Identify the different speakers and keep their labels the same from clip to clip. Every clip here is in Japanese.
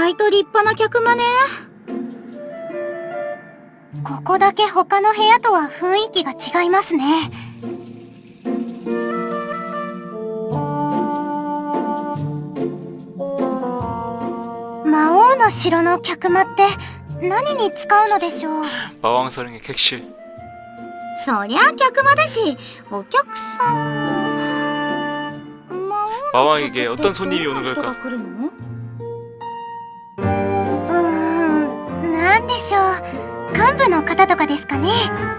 Speaker 1: 外と立派な客間ね。
Speaker 2: ここだけ他の部屋とは雰囲気が違いますね。魔王の城の客間って何に使うのでしょう。
Speaker 3: 마왕서령의 객실.
Speaker 1: そりゃ客間だし、お客さん。
Speaker 3: 마왕에게 어떤 손님이 오는
Speaker 1: 人が
Speaker 3: 걸까?
Speaker 1: 来るの？
Speaker 2: なんでしょう。幹部の方とかですかね。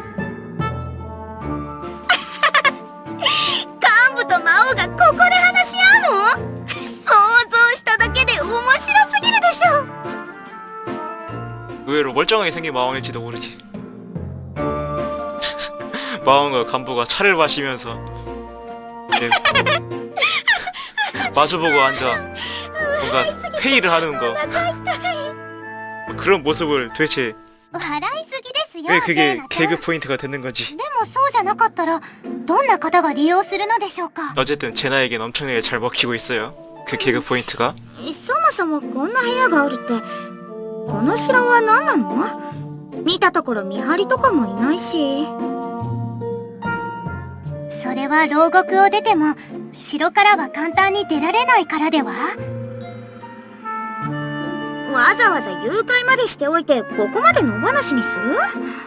Speaker 1: 幹部と魔王がここで話し合うの？想像しただけで面白すぎるでしょ。
Speaker 3: 의외로 멀쩡하게 생긴 마왕일지도 모르지. 마왕과 간부가 차를 마시면서 네, 마주보고 앉아 뭔가 회의를 하는 거. 그런 모습을 도대체
Speaker 2: 笑いすぎですよ。
Speaker 3: 왜 그게
Speaker 2: ゼーナちゃん
Speaker 3: 개그 포인트가 되는 건지.
Speaker 2: でもそうじゃなかったらどんな方が利用するのでしょうか。
Speaker 3: 어쨌든 제나에겐 엄청나게 잘 먹히고 있어요. 그 개그 포인트가.
Speaker 1: そもそもこんな部屋があるって、この城は何なの？見たところ見張りとかもいないし。
Speaker 2: それは牢獄を出ても城からは簡単に出られないからでは。
Speaker 1: わざわざ誘拐までしておいてここまで野放しにする？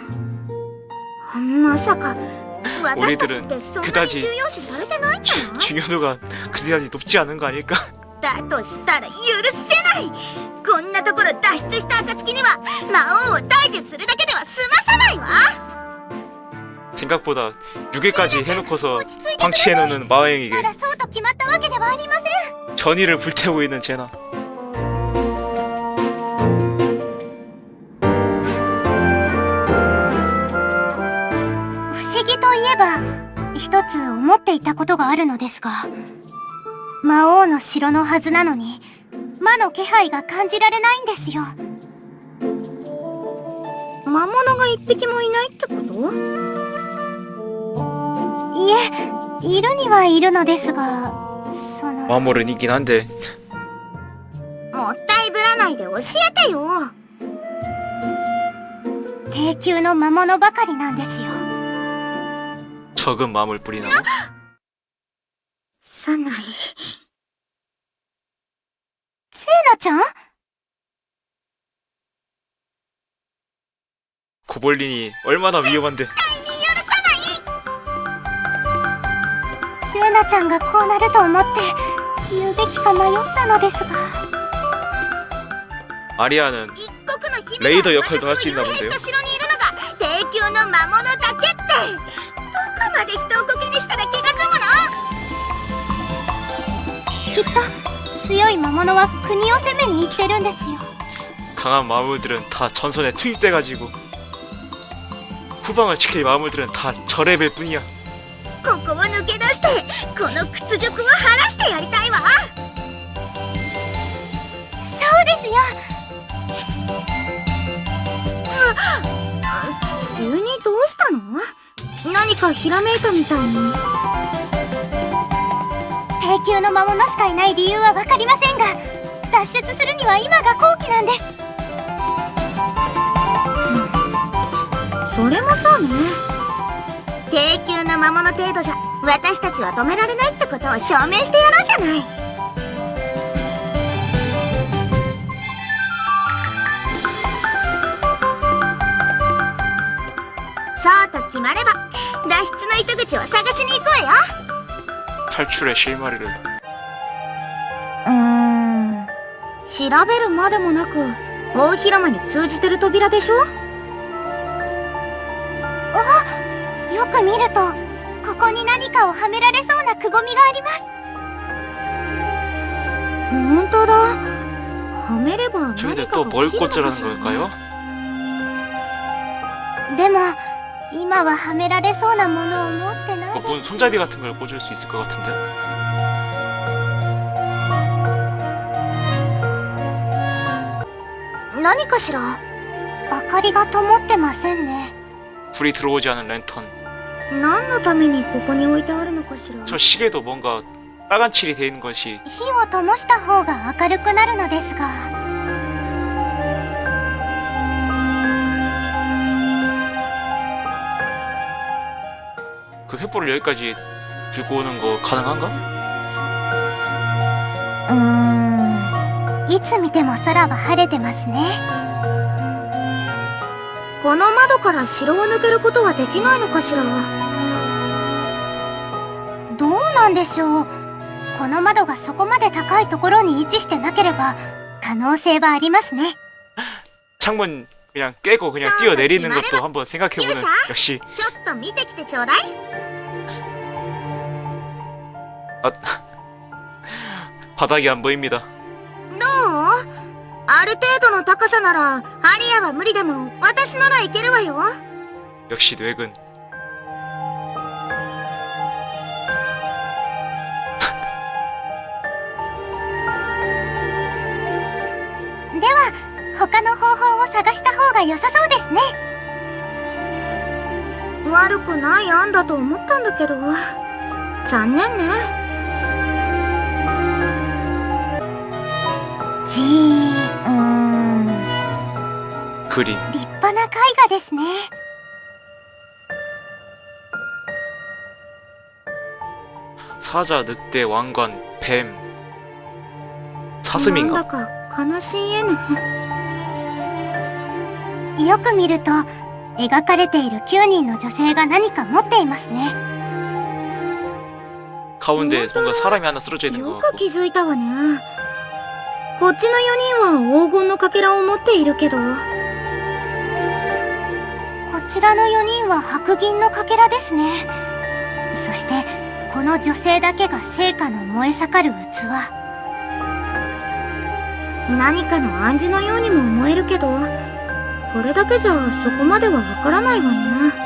Speaker 1: まさか私たちってそんなに重要視されてないんじゃない？
Speaker 3: 중요도가 그다지 높지 않은 거 아닐까?
Speaker 1: だとしたら許せない。こんなところ脱出した暁には魔王を退治するだけでは済まさないわ。
Speaker 3: 생각보다 6회까지 해놓고서 방치해놓는 마왕에게
Speaker 2: まだそうと決まったわけではありません。
Speaker 3: 전의를 불태우고 있는 제나.
Speaker 2: 不思議といえば一つ思っていたことがあるのですが、魔王の城のはずなのに魔の気配が感じられないんですよ。
Speaker 1: 魔物が一匹もいないってこと？
Speaker 2: いえ、いるにはいるのですが、その
Speaker 3: 마모는 있긴 한데
Speaker 1: もったいぶらないで教えてよ。
Speaker 2: 低級の魔物ばかりなんですよ。
Speaker 3: 적은 마음을 뿌리나고?
Speaker 1: サナイ。
Speaker 2: セーナちゃん？
Speaker 3: 고볼린이 얼마나 위험한데.
Speaker 2: セーナちゃんがこうなると思って言うべきか迷ったのですが。
Speaker 3: 아리아는
Speaker 1: 一国の姫が
Speaker 3: レイド역할도 할 수
Speaker 1: 私を
Speaker 3: 있나
Speaker 1: 幽閉
Speaker 3: 본데요.
Speaker 1: した城にいるのが低級の魔物だけって、どこまで人をコケにしたら気が済むの？
Speaker 2: きっと強い魔物は国を攻めに行ってるんですよ。
Speaker 3: 강한 마물들은 다 전선에 투입돼가지고 후방을 지킬 마물들은 다 저 레벨 뿐이야.
Speaker 1: ここを抜け出してこの屈辱を晴らしてやりたいわ。
Speaker 2: そうですよ。
Speaker 1: 急にどうしたの？何かひらめいたみたいに。
Speaker 2: 低級の魔物しかいない理由は分かりませんが、脱出するには今が好機なんです。
Speaker 1: それもそうね。低級な魔物程度じゃ私たちは止められないってことを証明してやろうじゃない。そうと決まれば脱出の糸口を探しに行こうよ。
Speaker 3: 탈출의 실마리를.
Speaker 1: 調べるまでもなく大広間に通じてる扉でしょ？
Speaker 2: よく見るとここに何かをはめられそうなくぼみがあります。
Speaker 1: ほんとだ。はめれば何
Speaker 3: 저기다
Speaker 1: か
Speaker 3: 또
Speaker 1: が
Speaker 3: 뭘
Speaker 1: 起きるのか
Speaker 3: 꽂으라는
Speaker 1: しらね。
Speaker 3: 걸까요?
Speaker 2: でも今ははめられそうなものを持ってない
Speaker 3: 뭐
Speaker 2: で
Speaker 3: 뭔
Speaker 2: す。
Speaker 3: 손잡이 같은 걸 꽂을 수 있을 것 같은데?
Speaker 1: 何かしら？
Speaker 2: 明かりが灯ってませんね。
Speaker 3: 불이 들어오지 않은 랜턴.
Speaker 1: 何のためにここに置いてあるのかしら？
Speaker 3: 저 시계도 뭔가 빨간 칠이 돼 있는 것이
Speaker 2: 火を灯した方が明るくなるのですが。
Speaker 3: 횃불을 여기까지 들고 오는 거 가능한가?
Speaker 2: いつ見ても空は晴れてますね。
Speaker 1: この窓から城を抜けることはできないのかしら。
Speaker 2: どうなんでしょう。この窓がそこまで高いところに位置してなければ可能性はありますね。
Speaker 3: 창문 그냥 깨고 그냥 뛰어내리는 것도 한번 생각해보는. 역시
Speaker 1: ちょっと見てきてちょうだい。
Speaker 3: 아, 바닥이 안 보입니다.
Speaker 1: どう？ある程度の高さならアリアは無理でも私ならいけるわよ。
Speaker 3: 역시 뇌근.
Speaker 2: では他の方法を探した方が良さそうですね。
Speaker 1: 悪くない案だと思ったんだけど、残念ね。
Speaker 3: 그림.
Speaker 2: 立派な絵画ですね。
Speaker 3: 사자, 늑대, 왕관, 뱀.
Speaker 1: なんだ
Speaker 3: 사슴인가?
Speaker 1: か悲しい絵ね。
Speaker 2: よく見ると描かれている9人の女性が何か持っていますね。
Speaker 3: 가운데 뭔가 사람이 하나 쓰러져 있는 것
Speaker 1: よく
Speaker 3: 같고.
Speaker 1: 気づいたわね。こっちの4人は黄金のかけらを持っているけど、
Speaker 2: こちらの4人は白銀のかけらですね。そしてこの女性だけが聖火の燃え盛る器。
Speaker 1: 何かの暗示のようにも思えるけど、これだけじゃそこまではわからないわね。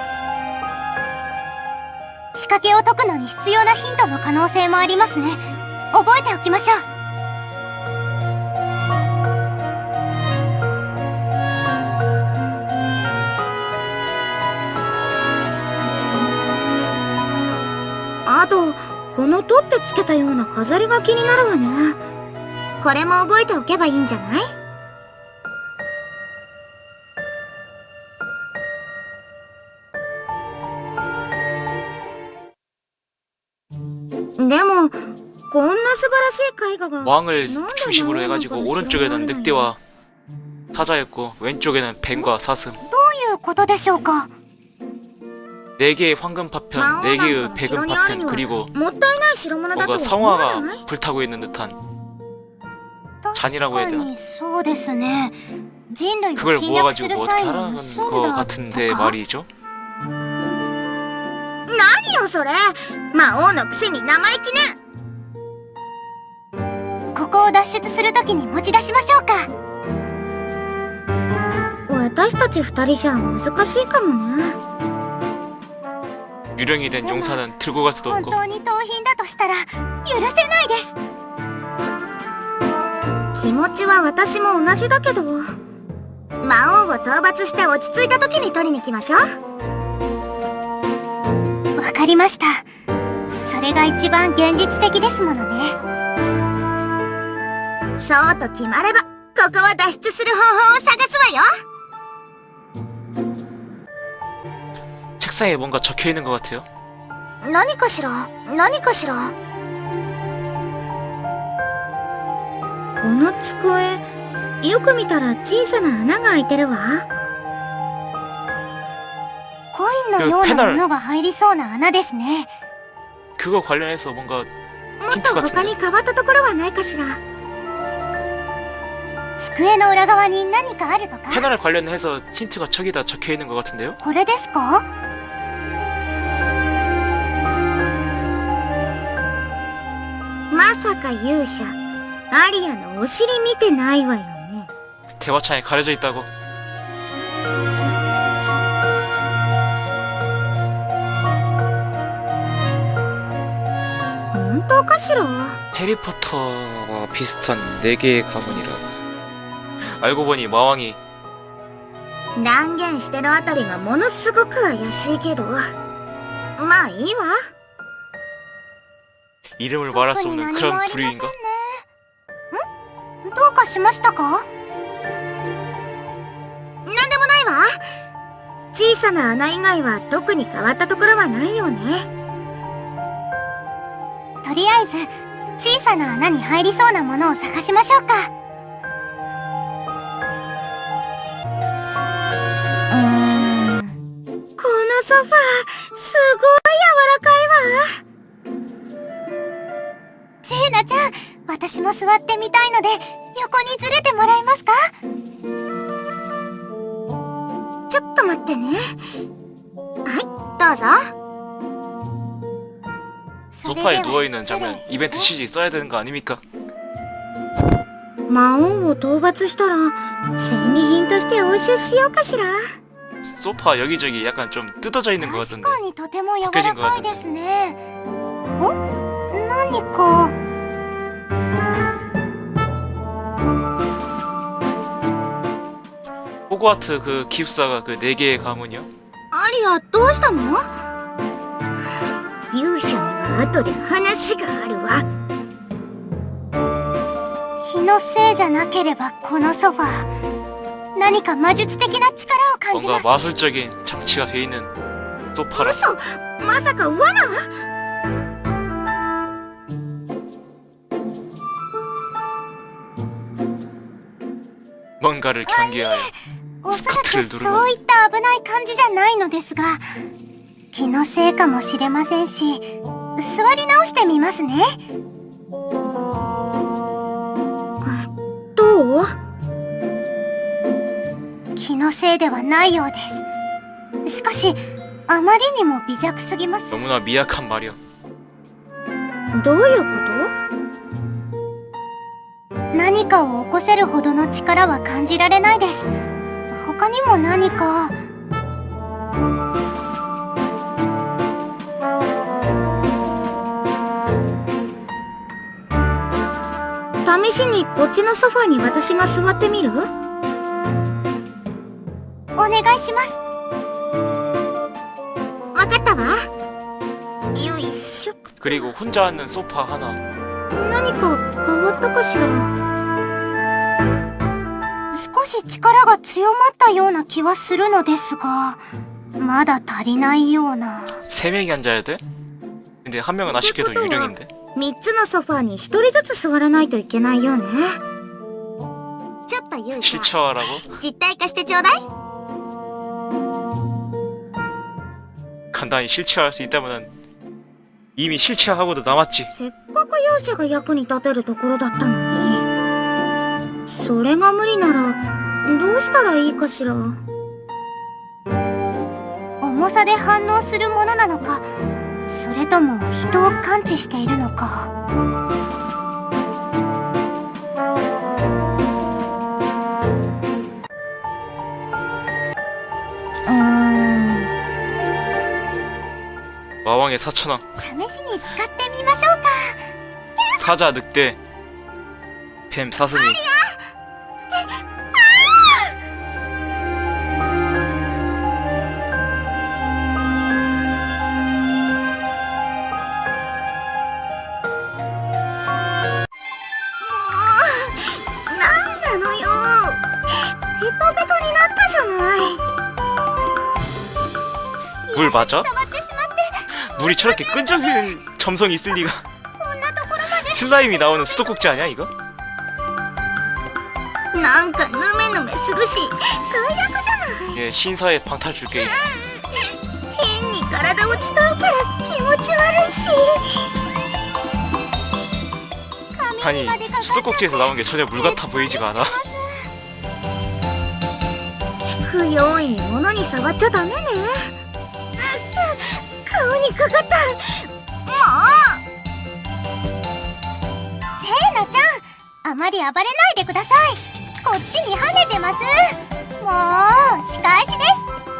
Speaker 2: 仕掛けを解くのに必要なヒントの可能性もありますね。覚えておきましょう。
Speaker 1: あと、この取ってつけたような飾りが気になるわね。これも覚えておけばいいんじゃない？でも、こんな素晴らしい絵画が
Speaker 3: 왕을
Speaker 1: 뭔가
Speaker 3: 중심으로
Speaker 1: 나오는
Speaker 3: 해가지고
Speaker 1: 건
Speaker 3: 오른쪽에는
Speaker 1: 싫어하는
Speaker 3: 늑대와 사자였고 왼쪽에는 뱀과 사슴.
Speaker 2: どういうことでしょうか。
Speaker 3: 4개의 황금 파편, 4개의 백은 파편, 그리고
Speaker 1: もったいない代物だと
Speaker 3: 뭔가
Speaker 1: 思わない？
Speaker 3: 성화가 불타고 있는 듯한 잔이라고 해야
Speaker 2: 確か
Speaker 3: 되나?
Speaker 2: にそうですね。人類を
Speaker 3: 그걸
Speaker 2: 侵略す
Speaker 3: 모아가지고
Speaker 2: る
Speaker 3: 뭐
Speaker 2: 際
Speaker 3: 어떻게
Speaker 2: に
Speaker 3: 하라는
Speaker 2: 盗
Speaker 3: 거
Speaker 2: んだ
Speaker 3: 같은데
Speaker 2: とか。
Speaker 3: 말이죠.
Speaker 1: 何よそれ、魔王のくせに生意気ね。
Speaker 2: ここを脱出するときに持ち出しましょうか。
Speaker 1: 私たち2人じゃ難しいかもね。
Speaker 3: 유령이 된 용사는 들고 갈 수도
Speaker 2: 本
Speaker 3: 없고
Speaker 2: 当に盗品だとしたら許せないです。
Speaker 1: 気持ちは私も同じだけど、魔王を討伐して落ち着いた時に取りに来ましょう。
Speaker 2: わかりました。それが一番現実的ですものね。
Speaker 1: そうと決まれば、ここは脱出する方法を探すわよ。
Speaker 3: 책상에 뭔가 적혀 있는 것 같아요.
Speaker 1: 何かしら、何かしら。この机、よく見たら小さな穴が開いてるわ。
Speaker 2: コインのようなものが入りそうな穴ですね。
Speaker 3: 그거 관련해서 뭔가
Speaker 1: もっと他に変わったところはないかしら。
Speaker 2: 机の裏側に何かあるとか。
Speaker 3: 패널 관련해서 힌트가 저기다 적혀 있는 것 같은데요.
Speaker 2: これですか？
Speaker 1: まさか勇者、アリアのお尻見てないわよね。
Speaker 3: 대화창에 가려져 있다고.
Speaker 1: 本当かしら。
Speaker 3: 해리포터와 비슷한 4개의 가문이라. 알고 보니 마왕이
Speaker 1: 断言してるあたりがものすごく怪しいけど、まあいいわ。
Speaker 3: 이름을 말할 수 없는 그런 부류인가?
Speaker 2: ん？どうかしましたか？
Speaker 1: なんでもないわ。小さな穴以外は特に変わったところはないよね。
Speaker 2: りあえず小さな穴に入りそうなものを探しましょうか。
Speaker 1: このソファー、すごい柔らかいわ。
Speaker 2: セーナちゃん、私も座ってみたいので横にずれてもらえますか？
Speaker 1: ちょっと待ってね。はい、どうぞ。
Speaker 3: 소파에 누워있는 장면 이벤트 CG 써야 되는 거 아닙니까?
Speaker 1: 魔王を討伐したら戦利品として押収しようかしら。
Speaker 3: 소파 여기저기 약간 좀 뜯어져 있는 것
Speaker 2: 確
Speaker 3: 같은데
Speaker 2: かにとても柔らかいですね。お？何か。
Speaker 3: 호그와트 그 기숙사가 그 4개의 가문이요?
Speaker 1: アリア、どうしたの？勇者には後で話があるわ。
Speaker 2: 気のせいじゃなければこのソファー、何か魔術的な力を感じま
Speaker 3: 뭔가
Speaker 2: す。
Speaker 3: 마술적인 장치가 돼 있는 소파라
Speaker 1: 嘘、まさか罠？
Speaker 3: 뭔가를 경계하여
Speaker 2: おそらく
Speaker 3: 스커트를 누르면
Speaker 2: そういった危ない感じじゃないのですが、気のせいかもしれませんし、座り直してみますね。
Speaker 1: どう？
Speaker 2: 気のせいではないようです。しかし、あまりにも微弱すぎます。
Speaker 3: 너무나 미약한 말이야.
Speaker 1: どういうこ
Speaker 2: 何かを起こせるほどの力は感じられないです。他にも何か。
Speaker 1: と？試しにこっちのソファーに私が座ってみる？
Speaker 2: お願いします。
Speaker 1: わかったわ。よいしょ。
Speaker 3: 그리고 혼자 앉는 소파 하나.
Speaker 1: 何か変わったかしら。
Speaker 2: 少し力が強まったような気はするのですが、まだ足りないような。
Speaker 3: 3명이 앉아야 돼? 근데 한 명은 아쉽게도 유령인데.
Speaker 1: 3つのソファーに1人ずつ座らないといけないよね。ちょっと勇者、
Speaker 3: 실체화라고?
Speaker 1: 実体化してちょうだい。
Speaker 3: 간단히 실체화할 수 있다면 이미 실체화하고도 남았지.
Speaker 1: せっかく勇者が役に立てるところだったのに。それが無理ならどうしたらいいかしら。
Speaker 2: 重さで反応するものなのか、それとも人を感知しているのか。
Speaker 3: 마왕의 사천왕.
Speaker 2: 試しに使ってみましょうか。
Speaker 3: 사자 늑대 뱀 사슴이. 물 맞아?
Speaker 2: 触ってしまって、
Speaker 3: 물이 저렇게 끈적일 점성이 있을 리가.
Speaker 2: こんなところまで。
Speaker 3: 슬라임이 나오는 수도꼭지 아니야 이거?
Speaker 1: なんかヌメヌメするし最悪じゃない。
Speaker 3: 예, 신사의 방탈출 게임.
Speaker 1: 変に体を伝うから気持ち悪いし。
Speaker 3: 아니 수도꼭지에서 나온 게 전혀 물 같아 보이지가 않아.
Speaker 1: 不用意に物に触っちゃダメね。顔にかかった。も
Speaker 2: セーナちゃん、あまり暴れないでください。こっちに跳ねてます。もう仕返しです。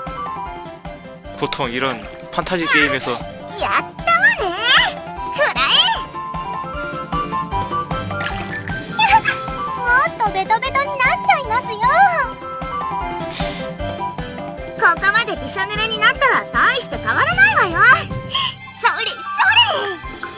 Speaker 3: 보통 이런 판타지 게임에서
Speaker 1: う、やったわね。くら
Speaker 2: もっとベトベトになっちゃいますよ。
Speaker 1: え。ここまでびしょ濡れになったら大して変わらないわよ。それそれ。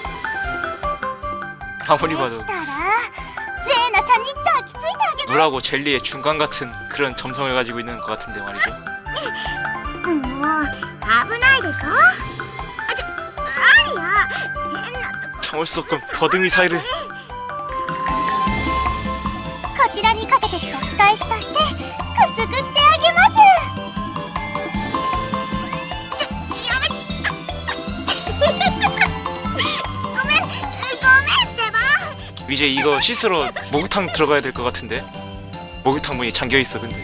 Speaker 3: 아무리
Speaker 2: で
Speaker 3: 봐도
Speaker 2: したら、セーナちゃんに抱きついてあげます。
Speaker 3: 물하고 젤리의 중간 같은 그런 점성을 가지고 있는 것 같은데 말이죠.
Speaker 1: もう危ないでしょ。アリア、変なとこ。
Speaker 3: 참을 수 없군 버드 미사일을.
Speaker 2: こちらにかけてきた仕返しとしてくすぐってあげます。
Speaker 3: 이제 이거 씻으러 목욕탕 들어가야 될 것 같은데. 목욕탕 문이 잠겨 있어 근데.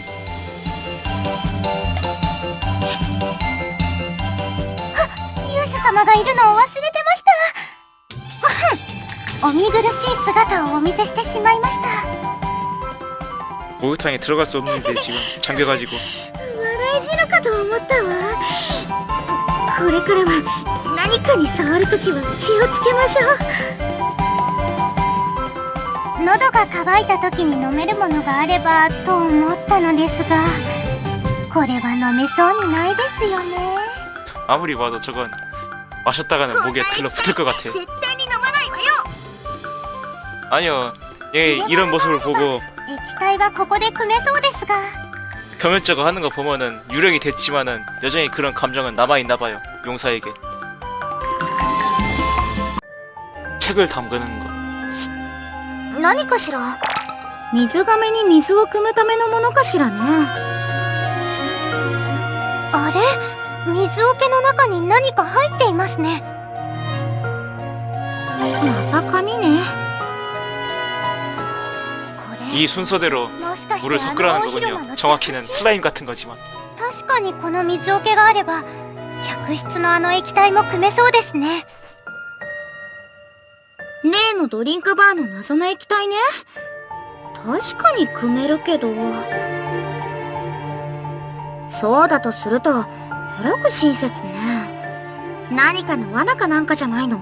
Speaker 2: 勇者様がいるのを忘れてました。お見苦しい姿をお見せしてしまいました。
Speaker 3: 목욕탕에 들어갈 수 없는데 지금 잠겨가지고.
Speaker 1: 笑い死ぬかと思ったわ。これからは何かに触るときは気をつけましょう。
Speaker 2: 喉が渇いた時に飲めるものがあればと思ったのですが、これは飲めそうにないですよね。
Speaker 3: 아무리 봐도 저건 마셨다가는 목에 들러붙을 것 같아.
Speaker 1: 絶対に飲まないわよ。
Speaker 3: 아니요, 얘 이런 모습을 보고
Speaker 2: 液体はここで汲めそうですが、
Speaker 3: 겸연쩍어 하는 거 보면은 유령이 됐지만은 여전히 그런 감정은 남아있나봐요 용사에게. 책을 담그는 거.
Speaker 1: 何かしら。水亀に水を汲むためのものかしらね。
Speaker 2: あれ、水桶の中に何か入っていますね。
Speaker 1: また紙ね。
Speaker 2: これ
Speaker 3: 이 순서대로
Speaker 2: もしかして
Speaker 3: 물을
Speaker 2: あの
Speaker 3: 섞으라는
Speaker 2: 大広間
Speaker 3: 거군요.
Speaker 2: の
Speaker 3: 정확히는
Speaker 2: 蛇口。
Speaker 3: 슬라임 같은 거지만.
Speaker 2: 確かにこの水桶があれば客室のあの液体も汲めそうですね。
Speaker 1: 例のドリンクバーの謎の液体ね。確かに汲めるけど。そうだとすると、えらく親切ね。何かの罠かなんかじゃないの？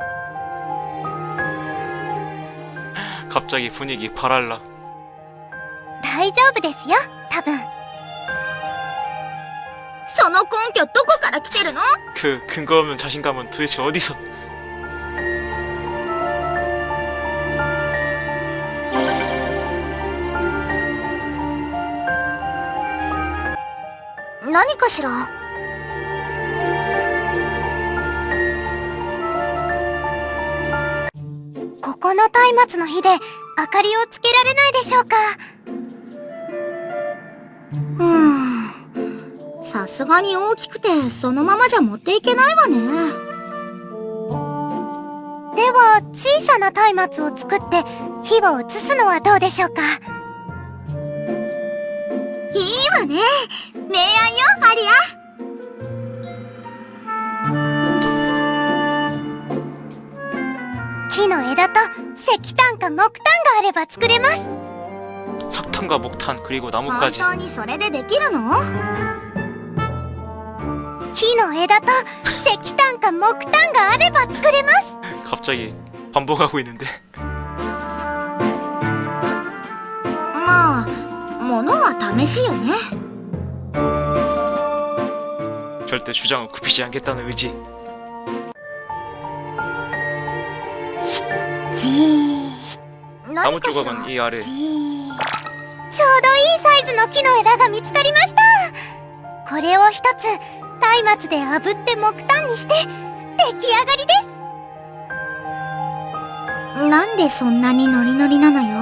Speaker 3: 갑자기 분위기 발랄라.
Speaker 2: 大丈夫ですよ、多分。
Speaker 1: その根拠どこから来てるの？
Speaker 3: 그 근거 없는 자신감은 도대체 어디서?
Speaker 1: 何かしら。
Speaker 2: ここの松明の火で明かりをつけられないでしょうか。
Speaker 1: さすがに大きくてそのままじゃ持っていけないわね。
Speaker 2: では小さな松明を作って火を移すのはどうでしょうか。
Speaker 1: いいわね。明暗よ、アリア。
Speaker 2: 木の枝と石炭か木炭があれば作れます。
Speaker 3: 석탄과 목탄 그리고
Speaker 1: 本
Speaker 3: 나무까지.
Speaker 1: 当にそれでできるの？
Speaker 2: 木の枝と石炭か木炭があれば作れます。
Speaker 3: 갑자기 반복하고 있는데.
Speaker 1: まあ、物は試しよね。
Speaker 3: 절대 주장을 굽히지 않겠다는 의지.
Speaker 2: じー
Speaker 3: 나무
Speaker 1: 何かしら。
Speaker 3: 조각은 이 아래.
Speaker 2: じーちょうどいいサイズの木の枝が見つかりました。これを一つ松明で炙って木炭にして出来上がりです。
Speaker 1: なんでそんなにノリノリなのよ。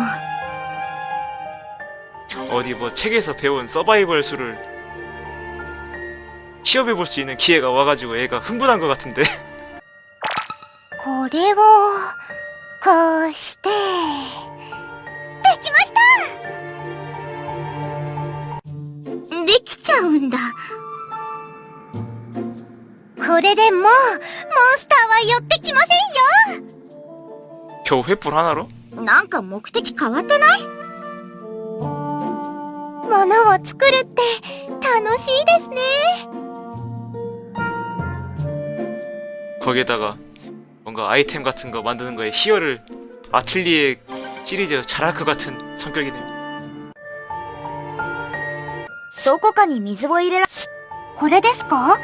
Speaker 3: 어디 뭐 책에서 배운 서바이벌 수를 시험해볼 수 있는 기회가 와가지고 얘가 흥분한 것 같은데.
Speaker 2: これをこうしてできました。
Speaker 1: できちゃうんだ。
Speaker 2: これでもうモンスターは寄ってきませんよ。
Speaker 3: 겨우 횃불 하나로?
Speaker 1: なんか目的変わってない？
Speaker 2: 物を作るって楽しいですね。
Speaker 3: 거기에다가 뭔가 아이템 같은 거 만드는 거에 희열을 아틀리에 시리즈 잘할 것 같은 성격이네요.
Speaker 1: どこかに水を入れら。
Speaker 2: これですか？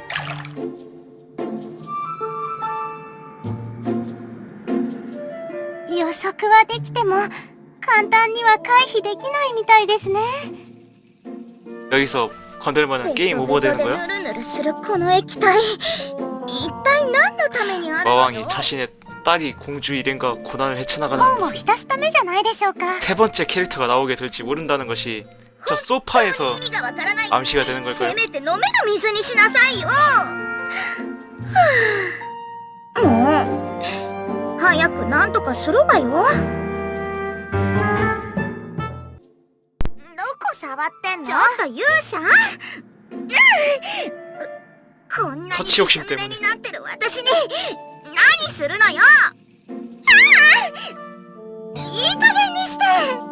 Speaker 2: 予測はできても簡単には回避できないみたいですね。
Speaker 3: 여기서 건들면은 게임 오버 되는
Speaker 1: ベトベト
Speaker 3: 거야?
Speaker 1: でヌルヌルするこの液体、一体何のためにあるの？
Speaker 3: 마왕이 자신의 딸이 공주 일행과 고난을 헤쳐나가는
Speaker 2: 本を
Speaker 3: 모습.
Speaker 2: 浸すためじゃないでしょうか。
Speaker 3: 세 번째 캐릭터가 나오게 될지 모른다는 것이 저 소파에서
Speaker 1: 意味がわからない。
Speaker 3: 암시가 되는
Speaker 1: せ
Speaker 3: 걸까요?
Speaker 1: めて飲める水にしなさいよ。もう早くなんとかするわよ。どこ触ってんの？ちょっと勇者？こんなにびしょ濡れになってる私に何するのよ。いい加減にして。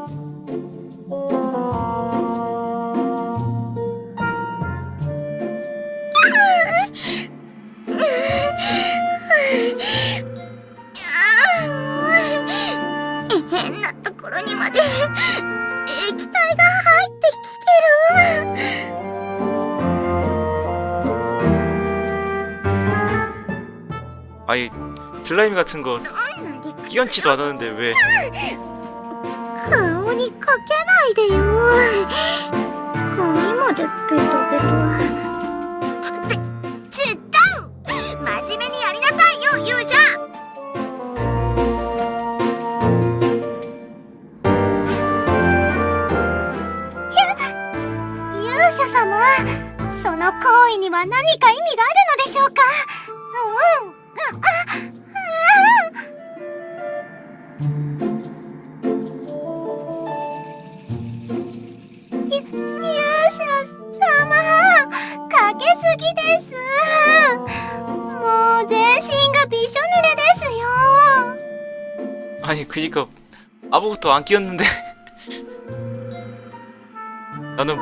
Speaker 1: 変なところにまで液体が入ってきてる。
Speaker 3: 아니 슬라임 같은 거 끼얹지도 않았는데 왜?
Speaker 1: 顔にかけないでよ。髪までベトベト。違う。真面目にやりなさいよ、勇者。
Speaker 2: 勇者様、その行為には何か意味があるのでしょうか。勇者様、かけすぎです。もう全身がびしょ濡れですよ。
Speaker 3: 아니 그니까 아무것도 안 끼었는데 나는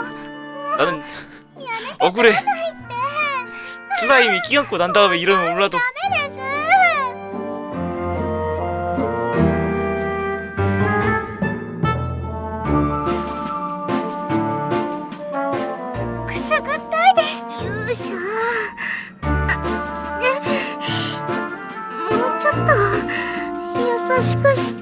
Speaker 3: 억울해. 슬라임이 끼얹고 난 다음에 이러면 몰라도
Speaker 2: ダメです。 くすぐったいです。
Speaker 1: 勇者。もうちょっと優しくして。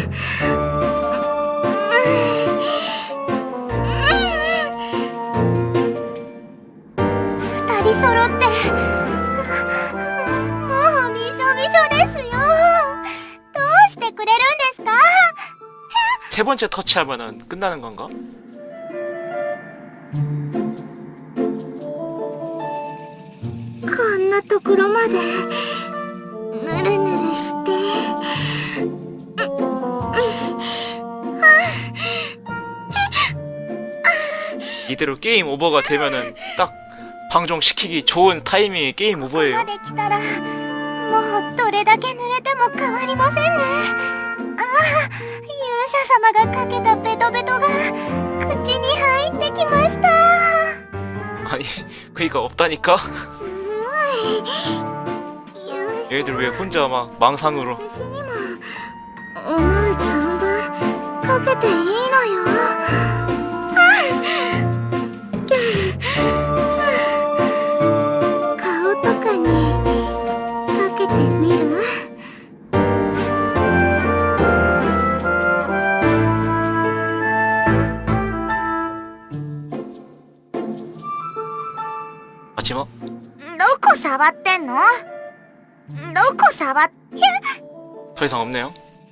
Speaker 2: 二人揃ってもうびしょびしょですよ。どうしてくれるんですか。
Speaker 3: 세 번째 터치하면은 끝나는 건가?
Speaker 1: こんなところまでぬるぬるして。
Speaker 3: 이대로 게임 오버가 되면은 딱 방종시키기 좋은 타이밍의 게임
Speaker 2: ここ
Speaker 3: 오버예요.
Speaker 2: まで来たらもうどれだけ濡れても変わりませんね。勇者様がかけたベトベトが口に入ってきました。
Speaker 3: 아니 그니까 없다니까.
Speaker 1: すごい。勇者。
Speaker 3: 얘들 왜 혼자 막 망상으로.
Speaker 1: 私にも思う存分かけていいのよ。顔とかにかけてみる？
Speaker 3: 마지막
Speaker 1: どこ触ってんの？どこ触っ？
Speaker 3: 더 이상 없네요.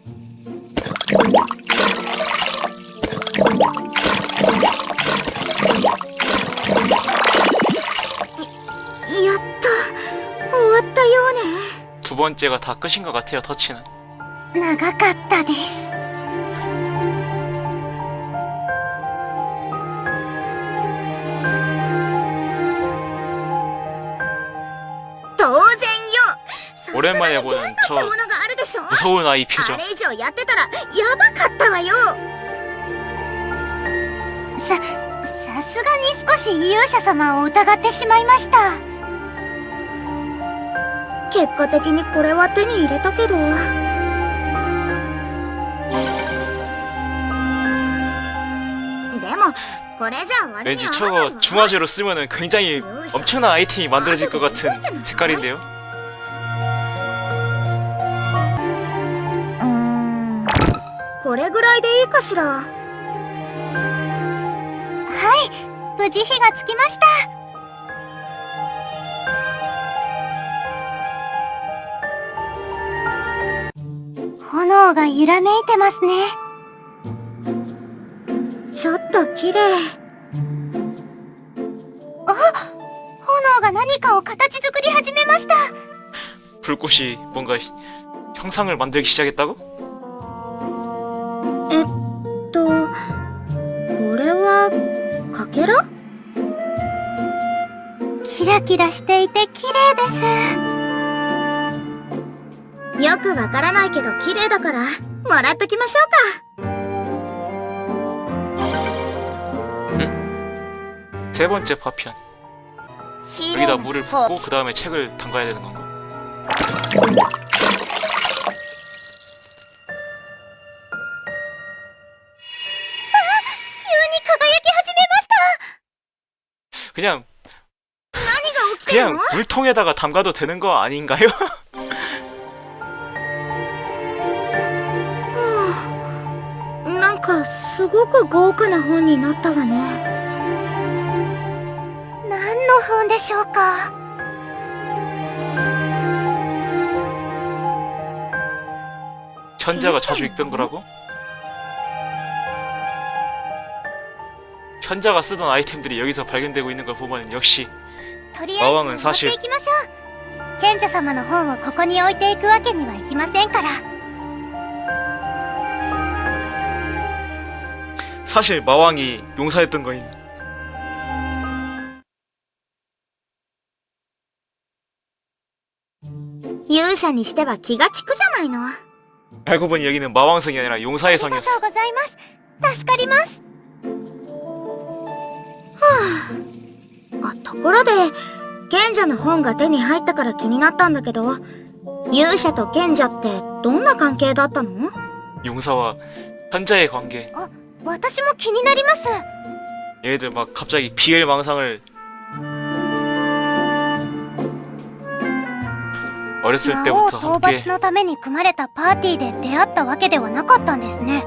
Speaker 1: やっと終わったようね。
Speaker 3: 두 번째가 다 끝인 것 같아요. 터치는.
Speaker 2: 長かったです。
Speaker 1: 当然よ。
Speaker 3: 오랜만에
Speaker 1: さすがに
Speaker 3: 보는
Speaker 1: 限度
Speaker 3: 저
Speaker 1: ってものがあるでしょ。
Speaker 3: 무서운 아이 표정.
Speaker 1: あれ以上やってたらやばかったわよ。
Speaker 2: さすがに少し勇者様を疑ってしまいました。
Speaker 1: 結果的にこれは手に入れたけど。でもこれじゃ割に
Speaker 3: 왠지
Speaker 1: 合わないわ。
Speaker 3: 저거 중화제로 쓰면은 굉장히 엄청난 아이템이 만들어질 것 같은 색깔인데요.
Speaker 1: これぐらいでいいかしら。
Speaker 2: はい、無事火がつきました。 炎が揺らめいてますね。
Speaker 1: ちょっと綺麗。
Speaker 2: 炎が何かを形作り始めました。
Speaker 3: 불꽃이 뭔가 형상을 만들기 시작했다고?
Speaker 1: これはかけら？
Speaker 2: キラキラしていて綺麗です。
Speaker 1: よくわからないけど綺麗だからもらっときましょうか。
Speaker 3: 세 번째 파편. 여기다 물을 붓고 그 다음에 책을 담가야 되는 건가?
Speaker 2: 急に輝き始めました。
Speaker 3: 그냥
Speaker 1: 何が起きてるの？
Speaker 3: 그냥 물통에다가 담가도 되는 거 아닌가요?
Speaker 1: なんかすごく豪華な本になったわね。
Speaker 2: 何の本でしょうか。
Speaker 3: 현자가 자주 읽던 거라고? 현자가 쓰던 아이템들이 여기서 발견되고 있는 걸 보면 역시
Speaker 2: とりあえず
Speaker 3: 마왕은
Speaker 2: 持って
Speaker 3: 사실
Speaker 2: いきましょう。賢者様の本をここに置いていくわけにはいきませんから。
Speaker 3: 사실 마왕이 용사였던 거임.
Speaker 1: 勇者にしては気が利くじゃないの。
Speaker 3: 알고 보니 여기는 마왕성이 아니라
Speaker 2: あ
Speaker 3: 용사의
Speaker 2: りがと
Speaker 3: 성이었어.
Speaker 2: うございます。助かります。
Speaker 1: ところで賢者の本が手に入ったから気になったんだけど、勇者と賢者ってどんな関係だったの？
Speaker 3: 용사와 현자의 관계.
Speaker 2: 私も気になります。
Speaker 3: 얘네들 막 갑자기 비엘망상을 어렸을
Speaker 2: 魔王
Speaker 3: 때부터
Speaker 2: 討
Speaker 3: 함께
Speaker 2: 伐のために組まれたパーティーで出会ったわけではなかったんですね。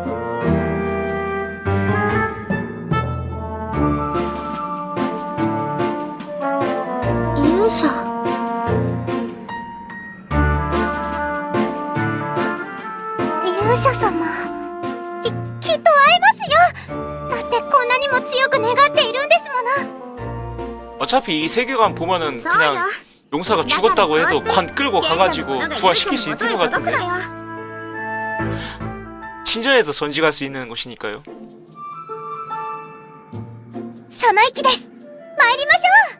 Speaker 1: 勇者。
Speaker 2: 勇者様、きっと会えますよ。だってこんなにも強く願っているんですもの。
Speaker 3: 어차피 이 세계관 보면은
Speaker 1: そうよ。
Speaker 3: 그냥 용사가 죽었다고 해도 관 끌고 가가지고 부활시킬 수 있는 것 같은데. 신전에서 전직할 수 있는 곳이니까요.
Speaker 2: その息です。参りましょう。